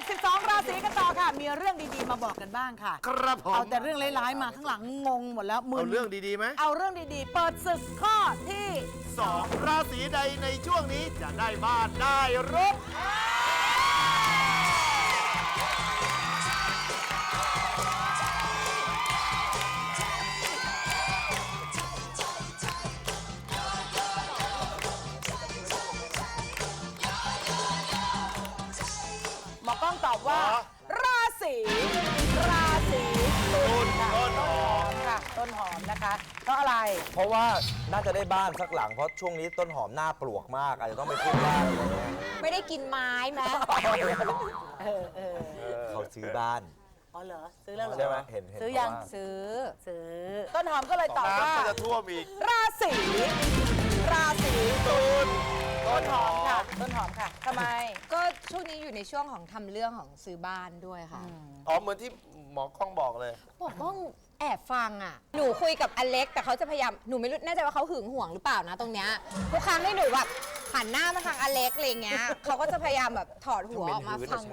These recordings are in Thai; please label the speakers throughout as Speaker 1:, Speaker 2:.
Speaker 1: 12 ราศีกันต่อค่ะมีเรื่องดีๆมาบอกกันบ้างค่ะ
Speaker 2: ครับผม
Speaker 1: เอาแต่เรื่องร้ายๆมาข้างหลังงงหมดแล้วมึ
Speaker 2: เอา
Speaker 1: น
Speaker 2: เรื่องดีๆไหม
Speaker 1: เอาเรื่องดีๆ เปิดศึกข้อที่
Speaker 2: 2 ราศีใดในช่วงนี้จะได้บ้านได้รถ
Speaker 1: หมอกล้องตอบว่า ราศีตุลค่ะ
Speaker 2: ต้นหอม
Speaker 1: ค่ะต้นหอมนะคะเพราะอะไร
Speaker 3: เพราะว่าน่าจะได้บ้านสักหลังเพราะช่วงนี้ต้นหอมหน้าปลวกมากอาจจะต้องไปขึ้นบ้านอะไรเงี้ย
Speaker 4: ไม่ได้กินไม้ไหม
Speaker 3: เขาซื้อบ้าน
Speaker 1: อ๋อเหรอซื้อแล้วเหรอ
Speaker 3: ใช่ไหมเห็น
Speaker 1: ซื้อยัง
Speaker 3: เขาว่า
Speaker 4: ซื้อ
Speaker 1: ซื้อต้นหอมก็เลยตอบว่า
Speaker 2: น้ำก็จะท่วมอีก
Speaker 1: ราศี
Speaker 2: ตุล
Speaker 1: ต้นหอมค่ะต้นหอมค่ะทำไม
Speaker 4: ก็ช่วงนี้อยู่ในช่วงของทำเรื่องของซื้อบ้านด้วยค่ะ
Speaker 2: อ๋อเหมือนที่หมอกล้องบอกเลย
Speaker 4: บอกว่าแอบฟังอ่ะ หนูคุยกับอเล็กแต่เขาจะพยายาม หนูไม่รู้แน่ใจว่าเขาหึงหวงหรือเปล่านะตรงเนี้ยทุกครั้งที่หนูแบบหันหน้ามาทางอเล็กอะไรเงี้ยเขาก็จะพยายามแบบถอดหัวออกมาฟัง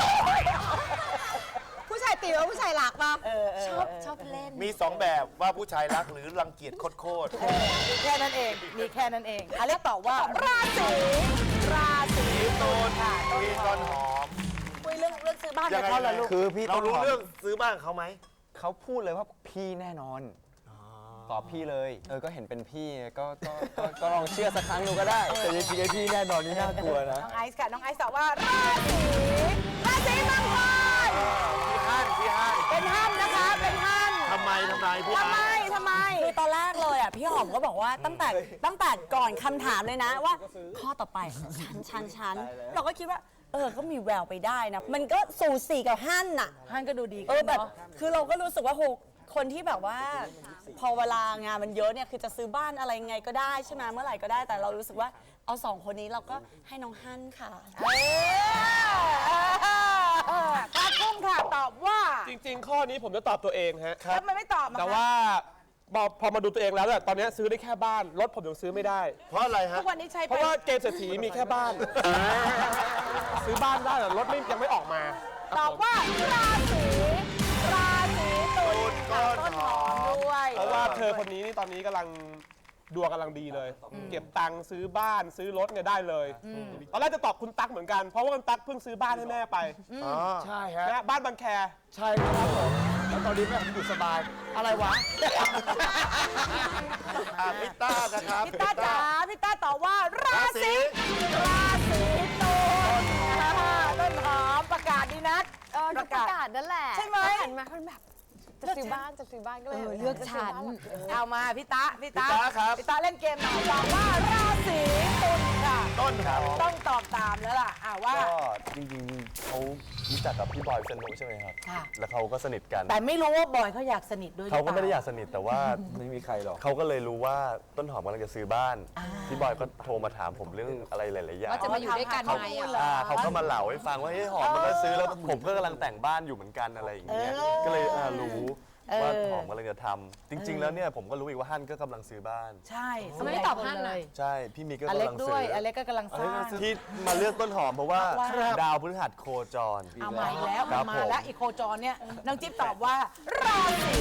Speaker 4: ผู้ชายตีว่าผู้ชายรักปะชอบเล่น
Speaker 2: มี 2 แบบว่าผู้ชายรักหรือรังเกียจโคตร
Speaker 1: มีแค่นั้นเองมีแค่นั้นเองอเล็กตอบว่าราศีตุลค่ะ
Speaker 2: มีต้นหอม
Speaker 1: คุยเรื่องซื้อบ้านกับเขาเหรอลูก
Speaker 3: คือพี่
Speaker 2: เรา
Speaker 3: ต้น
Speaker 2: รู้
Speaker 3: หอม
Speaker 2: เรื่องซื้อบ้านเขาไหม
Speaker 3: เขาพูดเลยว่าพี่แน่นอนตอบพี่เลยก็เห็นเป็นพี่ก็ลองเชื่อสักครั้งดูก็ได้แต่จริงๆไอ้พี่แน่นอนนี่น่ากลัวนะ
Speaker 1: น้องไอซ์ค่ะน้องไอซ์ตอบว่าราศีมังกร
Speaker 2: พี่ฮั่น
Speaker 1: เป็นห้ามนะคะเป็นห้าม
Speaker 2: ทำไมพี่
Speaker 1: ทำไม
Speaker 2: ฮั่น
Speaker 1: ทำไม
Speaker 5: คือตอนแรกเลยอ่ะพี่หอมก็บอกว่าตั้งแต่ก่อนคำถามเลยนะว่า ข้อต่อไปฉันเราก็คิดว่าก็มีแววไปได้นะ มันก็สูสีกับฮั่นน่ะ
Speaker 1: ฮั่นก็ดูดี
Speaker 5: แบบ
Speaker 1: เนาะ
Speaker 5: คือเราก็รู้สึกว่าโหคนที่แบบว่า พอเวลางานมันเยอะเนี่ยคือจะซื้อบ้านอะไรไงก็ได้ใช่ไหมเมื่อไหร่ก็ได้แต่เรารู้สึกว่าเอาสองคนนี้เราก็ให้น้องฮั่นค่ะ
Speaker 1: ป้ากุ้งค่ะตอบว่า
Speaker 6: จริงๆ ข้อนี้ผมจะตอบตัวเองฮะ
Speaker 1: แล้วมันไม่ตอบมา
Speaker 6: แต่ว่าพอมาดูตัวเองแล้วเนี่ยตอนนี้ซื้อได้แค่บ้าน รถผมยังซื้อไม่ได้
Speaker 2: เพราะอะไรฮะ
Speaker 1: ทุกวันนี้ใช้
Speaker 6: เพราะว่าเกมเศรษฐีมีแค่บ้าน ซื้อบ้านได้แต่รถยังไม่ออกมา
Speaker 1: ตอบว่าราศีตุลค่ะ
Speaker 2: ต้
Speaker 1: ต้น
Speaker 2: น
Speaker 1: ห
Speaker 2: ห
Speaker 1: อ
Speaker 2: อ
Speaker 1: ม
Speaker 2: ม
Speaker 1: ด้วย
Speaker 6: เพราะว่าเธอคนนี้นี่ตอนนี้กำลังดวงกำลังดีเลย เก็บตังค์ซื้อบ้านซื้อรถเนี่ยได้เลยตอนแรกจะตอบคุณตั๊กเหมือนกัน เพราะว่าคุณตั๊กเพิ่งซื้อบ้านให้แม่ไป
Speaker 3: ใช่ฮะ
Speaker 6: นะบ้านบางแค
Speaker 3: ใช่ครับผมแล้วตอนนี้แม่ผมอยู่สบายอะไรวะ
Speaker 2: พิต้านะครับ
Speaker 1: พี่ต้าจ๋าพี่ต้าตอบว่าราศีตุลต้นหอมประกาศดีนัก
Speaker 4: ประกาศนั่นแหละ
Speaker 1: ใช่ไหม
Speaker 4: หันมาเขาแบบจะซื้อบ้านก็เลยเลือกฉัน
Speaker 1: เอามาพี่ตา
Speaker 2: พี่ตาครับ
Speaker 1: พี่ตาเล่นเกมหน่อยตอบว่าราศีตุลค่ะ
Speaker 2: ต้นหอม
Speaker 1: ต้องตอบตามแล้วล่ะว่า
Speaker 3: ก็จริงๆเขารู้จักกับพี่บอยพิษณุใช่ไหมครับ
Speaker 1: ค่ะ
Speaker 3: แล้วเขาก็สนิทกัน
Speaker 1: แต่ไม่รู้ว่าบอยเขาอยากสนิทด้วยหรือ
Speaker 3: เขาก็ไม่ได้
Speaker 1: ปล่
Speaker 3: อยากสนิทแต่ว่า ไม่มีใครหรอกเขาก็เลยรู้ว่าต้นหอมกำลังจะซื้อบ้าน พี่บอยก็โทรมาถามผมเรื่องอะไรหลายๆอย่าง
Speaker 4: ว่าจะมาอยู่ด้วยกันไหม
Speaker 3: เขาก็มาเล่าให้ฟังว่าเฮ้ยหอมมันก็ซื้อแล้วผมก็กำลังแต่งบ้านอยู่เหมือนกันอะไรอย่างเงี้ยก็เลยรู้ว่าหอมกำลังจะทำจริง ๆ แล้วเนี่ยผมก็รู้อีกว่าฮั่นก็กำลังซื้อบ้าน
Speaker 1: ใช่
Speaker 4: ทำไมไม่ตอบฮั่นน่ะ
Speaker 3: ใช่พี่มิกก็
Speaker 1: อก
Speaker 3: ำ
Speaker 1: เล็ก
Speaker 3: ลัง
Speaker 1: ด้
Speaker 3: ซื้
Speaker 1: วย
Speaker 3: อ
Speaker 1: อเล็กก็กำลังสร้าง
Speaker 3: ที่มาเลือกต้นหอมเพราะว่า
Speaker 1: ครับ
Speaker 3: ดาวพฤหัสโคจร
Speaker 1: เอามาอีกแล้ว
Speaker 3: ครับ
Speaker 1: มาแล้วอีโคจรเนี่ยน้องจิ๊บตอบว่าราศี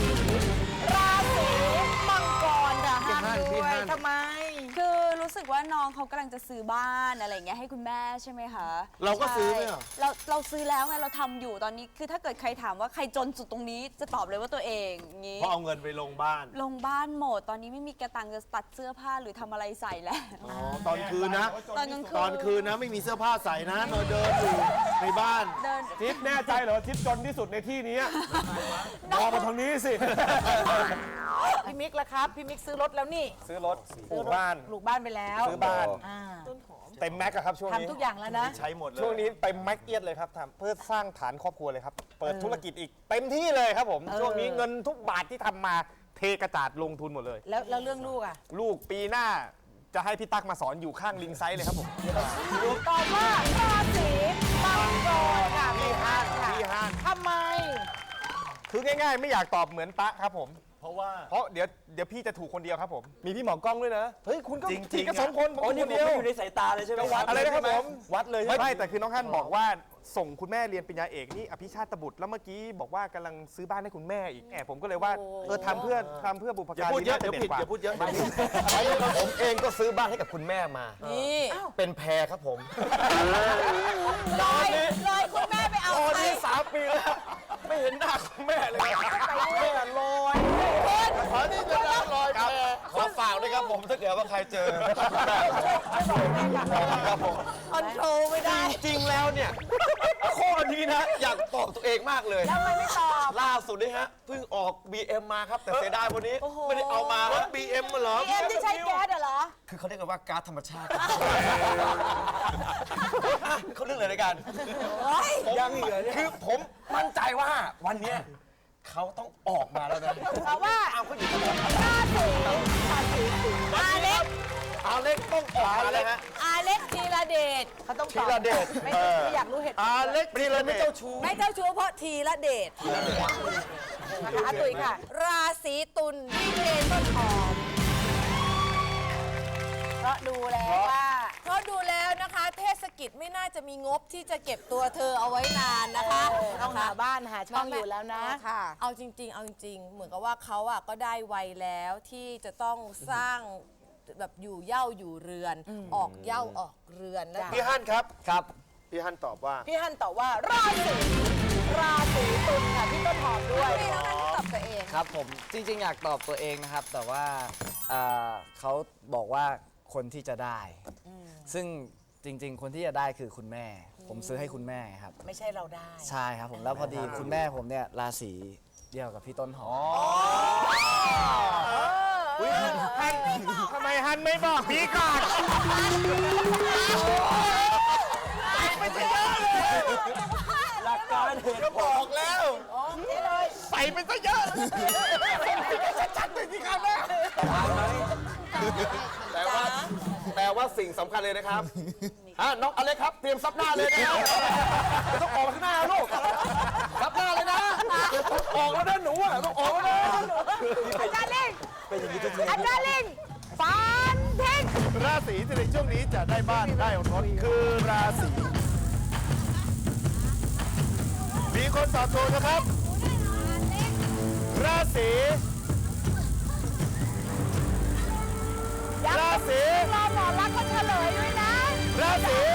Speaker 1: มังกรค่ะห้ามด้วยทำไม
Speaker 5: คือรู้สึกว่าน้องเขากำลังจะซื้อบ้านอะไรอย่างเงี้ยให้คุณแม่ใช่ไหมคะ
Speaker 2: เราก็ซื้อไหมอ่ะ
Speaker 5: ใช่เราซื้อแล้วไงเราทำอยู่ตอนนี้คือถ้าเกิดใครถามว่าใครจนสุดตรงนี้จะตอบเลยว่าตัวเองอย่างงี้
Speaker 2: เพราะเอาเงินไปลงบ้าน
Speaker 5: ลงบ้านหมดตอนนี้ไม่มีกระตังจะตัดเสื้อผ้าหรือทำอะไรใส่แล้ว
Speaker 2: อ๋อ ตอนคืนนะ
Speaker 5: ตอนกลางคืน
Speaker 2: ตอนคืนนะไม่มีเสื้อผ้าใส่นะเราเดินอยู่ในบ้าน
Speaker 5: เดิน
Speaker 6: ทิปแน่ใจเหรอว่าทิปจนที่สุดในที่นี้มองมาทางนี้สิ
Speaker 1: พี่มิกล่ะครับพี่มิกซื้อรถแล้วนี่
Speaker 3: ซื้อรถปลูกบ้าน
Speaker 1: ปลูกบ้านไปแล้ว
Speaker 3: ซื้อบ้าน
Speaker 1: อ่า
Speaker 3: เต็มแม็กอะครับช่วงนี้
Speaker 1: ทำทุกอย่างแล้วนะ
Speaker 2: ใช้หมดเลย
Speaker 3: ช่วงนี้เต็มแม็กเอียดเลยครับทำเพื่อสร้างฐานครอบครัวเลยครับ เปิดธุรกิจอีกเต็มที่เลยครับผม ช่วงนี้เงินทุกบาทที่ทำมาเทกระจาดลงทุนหมดเลย
Speaker 1: แล้วเรื่องลูกอ่ะ
Speaker 3: ลูกปีหน้าจะให้พี่ตั๊กมาสอนอยู่ข้างลิงไซส์เลยครับผม
Speaker 1: ตอบว่าราศีมังกรค่ะ
Speaker 3: พี่ฮั่น
Speaker 1: ค่ะ
Speaker 3: พี่ฮั่น
Speaker 1: ทำไม
Speaker 3: คือง่ายๆ ไม่อยากตอบเหมือนตะครับผม
Speaker 2: เพราะว่า
Speaker 3: เพราะเดี๋ยวพี่จะถูกคนเดียวครับผม มีพี่หมอกล้องด้วยนะ เฮ้ย คุณก็
Speaker 2: จริงๆ
Speaker 3: พี่ก็สองคนผมคนเดียว
Speaker 7: อยู่ในสายตาเลยใช่ไหม
Speaker 3: ก็วัดอะไรนะครับผม
Speaker 7: วัดเลย
Speaker 3: ไม่แต่คือน้องฮั่นบอกว่า
Speaker 7: ส่งคุณแม่เรียนปริญญาเอกนี่อภิชาติบุตรแล้วเมื่อกี้บอกว่ากำลังซื้อบ้านให้คุณแม่อีกผมก็เลยว่าทำเพื่อบุพ
Speaker 2: อย่า
Speaker 7: การ
Speaker 2: พูดเยอะ
Speaker 7: น่า
Speaker 2: เดี๋ยว
Speaker 7: ด่น
Speaker 2: ผิด
Speaker 7: กว่า
Speaker 2: อย่าพูดเยอะ
Speaker 8: ผมเองก็ซื้อบ้านให้กับคุณแม่มา
Speaker 5: นี่
Speaker 8: เป็นแพรครับผม
Speaker 5: เลยคุณแม่ไปเอา
Speaker 8: ตอน
Speaker 5: ใคร
Speaker 8: นี้3 ปีแล้ว ไม่เห็นหน้าคุณแม่เลยแม่ลอย
Speaker 2: ขอที่จะรับรอยแพร
Speaker 8: ขอฝากด้วยครับผมถ้าเกิดว่าใครเจอครับผม
Speaker 5: คอนโทรลไม่ได้
Speaker 8: จริงๆแล้วเนี่ย ข้อนี้นะ อยากตอบตัวเองมากเลย
Speaker 5: ทำไมไม่ตอบ
Speaker 8: ล่าสุดนี่ฮะเพิ่งออก BM มาครับ แต่เสียดายวันนี้ ไม่ได้เอามาร
Speaker 2: ถ BM มาเหรอ
Speaker 1: เอ็มที่ใช้แก๊สเหรอ
Speaker 8: คือเขาเรียกกันว่าก๊าซธรรมชาติเขาเรื่องอะไรในการยังเหลือคือผมมั่นใจว่าวันเนี้ยเขาต้องออกมาแล้วนะ
Speaker 1: เพราะว่า
Speaker 8: เอาเขาอยู่
Speaker 1: ราศีอาเล็ก
Speaker 8: อาเล็กต้องออกมาเลยฮะ
Speaker 5: อาเล็กธีรเดช
Speaker 1: เขาต้องต
Speaker 8: ธี
Speaker 1: อบ
Speaker 8: รเดช
Speaker 1: ไม่อยากรู้เหตุผล
Speaker 2: อาเล็ก
Speaker 8: นี่เลยไม่เจ้าชู้
Speaker 5: ไม่เจ้าชู้เพราะธีรเดช
Speaker 1: นะคะตุ๋ยค่ะ
Speaker 5: ราศีตุลพี่เคนต้นหอม
Speaker 1: เพราะดูแล้วว่า
Speaker 5: เพราะดูแล้วนะคะ เทศกิจไม่น่าจะมีงบที่จะเก็บตัวเธอเอาไว้นานนะคะ
Speaker 1: ต้องหาบ้านหาช่องอยู่แล้วนะ
Speaker 5: ค่ะ เอาจริง ๆ เอาจริง ๆ เหมือนกับว่าเขาอ่ะก็ได้วัยแล้วที่จะต้องสร้างแบบอยู่เหย้าอยู่เรือน ออกเหย้าออกเรือนนะ
Speaker 2: พี่ฮั่นครับ
Speaker 8: ครับ
Speaker 2: พี่ฮั่นตอบว่า
Speaker 1: พี่ฮันตอบว่าราศีตุลค่ะพี่ต้นหอมด้วย
Speaker 5: ไม่ต้องให้ตอบตัวเอง
Speaker 9: ครับผมจริงๆ อยากตอบตัวเองนะครับ แต่ว่าเขาบอกว่าคนที่จะได้ ซึ่งจริงๆ คนที่จะได้คือคุณแม่ ผมซื้อให้คุณแม่ครับ
Speaker 1: ไม่ใช่เราได้
Speaker 9: ใช่ครับผมแล้วพอดีคุณแม่ผมเนี่ยราศีเดียวกับพี่ต้นหอม
Speaker 7: ทำไมฮันไม่บอกพี่ก่อน
Speaker 8: หลักการเหตุผล
Speaker 2: บอกแล้ว
Speaker 7: ใส่ไปซะเยอะชัดๆไปสิครับแม่
Speaker 8: แต่ว่าสิ่งสำคัญเลยนะครับน้องอเล็กครับ เตรียมซับหน้าเลยนะครับไม่ต้องออกข้างหน้าลูกซับหน้าเลยนะออกแล้วนะหนูอ่ะต้องออกแล้วนะ
Speaker 1: อาจารย์ลิงอาจารย์ลิงฟันทิ้ง
Speaker 2: ราศีที่ในช่วงนี้จะได้บ้านได้รถคือราศีมีคนตอบถูกนะครับ ราศีราศี
Speaker 1: รอหมอรักษณ์ก็เฉลยด้วยนะ
Speaker 2: ราศี